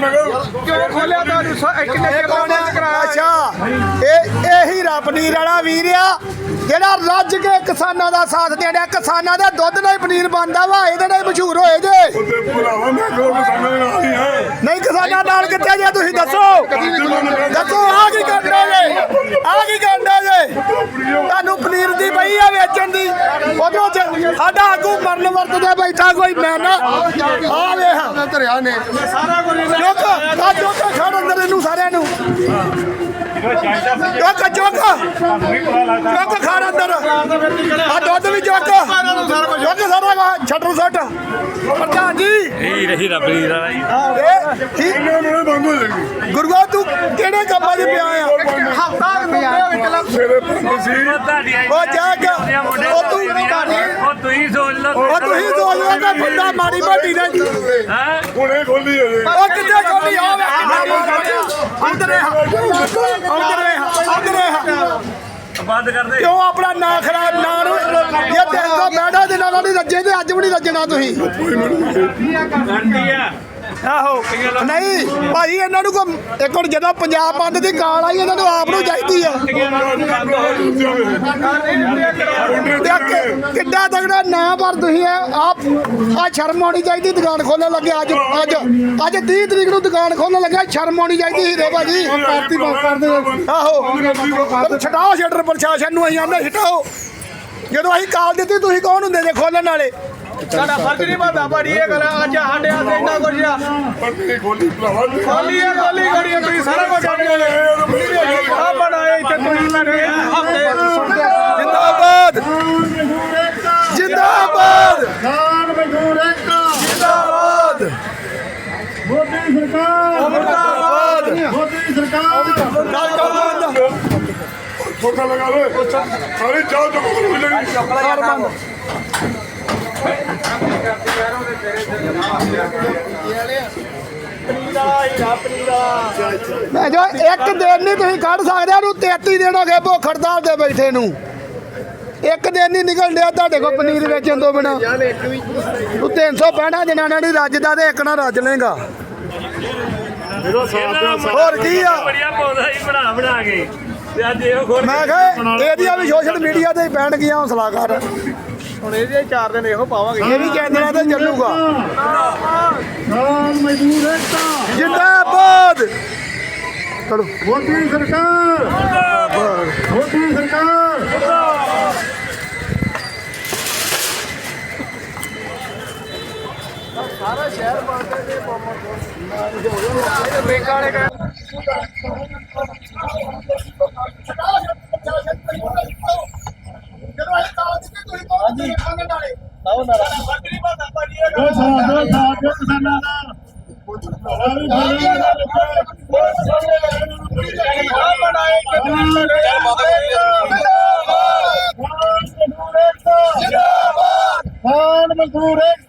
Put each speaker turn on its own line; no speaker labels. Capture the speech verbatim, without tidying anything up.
अच्छा यही पनीर वाला वीर आ जेड़ा रज के किसानों का साथ दे रहा किसानों के दुध नहीं पनीर बनता वा ये मशहूर होए जे नहीं किसानों नाल कित्थे जे तुसीं दसो दसो आ की करना जे आ की करना जे तुहानूं पनीर दी पई आ वेचण दी उधरों साडा आगू मरन वरतदे बैठा कोई मैं ना आ वेख धरिया ने चुक आ चुक खड़ अंदर इनू सारिਆਂ ਨੂੰ चुक चुक चुक खड़ अंदर आ दुध भी चुक चुक सारा छटर सट प्रधान जी गुरुआ तू किहड़े कम्मां च पिया आ हफ्ता बंदा माड़ी मोटी ने खोली बंद कर दे क्यों अपना ना खराब ना ये देखो बैठा दिन नहीं रजे ते अज भी नहीं रजना तुसीं आहो नहीं भाई इन्हों को एक और जो पंजाब बंद की गाल आई इन्होंने आप चाहिए किड्डा तगड़ा ना पर तुम आप आ शर्म होनी चाहिए दुकान खोलने लगे अज अज अज तीह तरीक को दुकान खोलने लगे शर्म होनी चाहिए हीरे भाजी आहो छटाओ शटर प्रशासन अं आने छटाओ जो अं काल दी तुम कौन होंगे जे खोलने वाले साडा फर्ज नहीं बनता भाड़ी ये गल अज साडे हाथ इन्ना कुछ खोली खोली है खोली करिए तुम सारा कुछ आ बनाए इत्थे तुम हफ्ते जिंदाबाद जिंदाबाद खान मजदूर एकता जिंदाबाद मोदी सरकार मुर्दाबाद मोदी सरकार ठोका लगा लो सारी जाओ जो मिलेगी जो एक दिन नहीं तुम कढ़ सकते तेती दिन हो गए भुख हड़ताल से बैठे नू एक दिन नहीं निकल दिया तुहाडे कोल पनीर वेचण तो बिना तू तीन सौ पैंठ जनाना नहीं रजदा ते एक ना रज लेगा होर की आ मैं कहा एहदियां भी सोशल मीडिया ते पैण गया हौसला कर ਹੁਣ ਇਹਦੇ ਚਾਰ ਦਿਨ ਇਹੋ ਪਾਵਾਂਗੇ ਇਹ ਵੀ ਕਹਿੰਦੇ ਤੇ ਚੱਲੂਗਾ ਖਾਨ ਮਜ਼ਦੂਰ ਏਕਤਾ ਜਿੰਦਾਬਾਦ ਚਲੋ ਮੋਦੀ ਸਰਕਾਰ ਜਿੰਦਾਬਾਦ ਮੋਦੀ ਸਰਕਾਰ ਜਿੰਦਾਬਾਦ ਸਾਰਾ ਸ਼ਹਿਰ ਬਾਂਦੇ ਦੇ ਬੰਮ ਬ੍ਰੇਕਾਂ ਵਾਲੇ खान मजदूर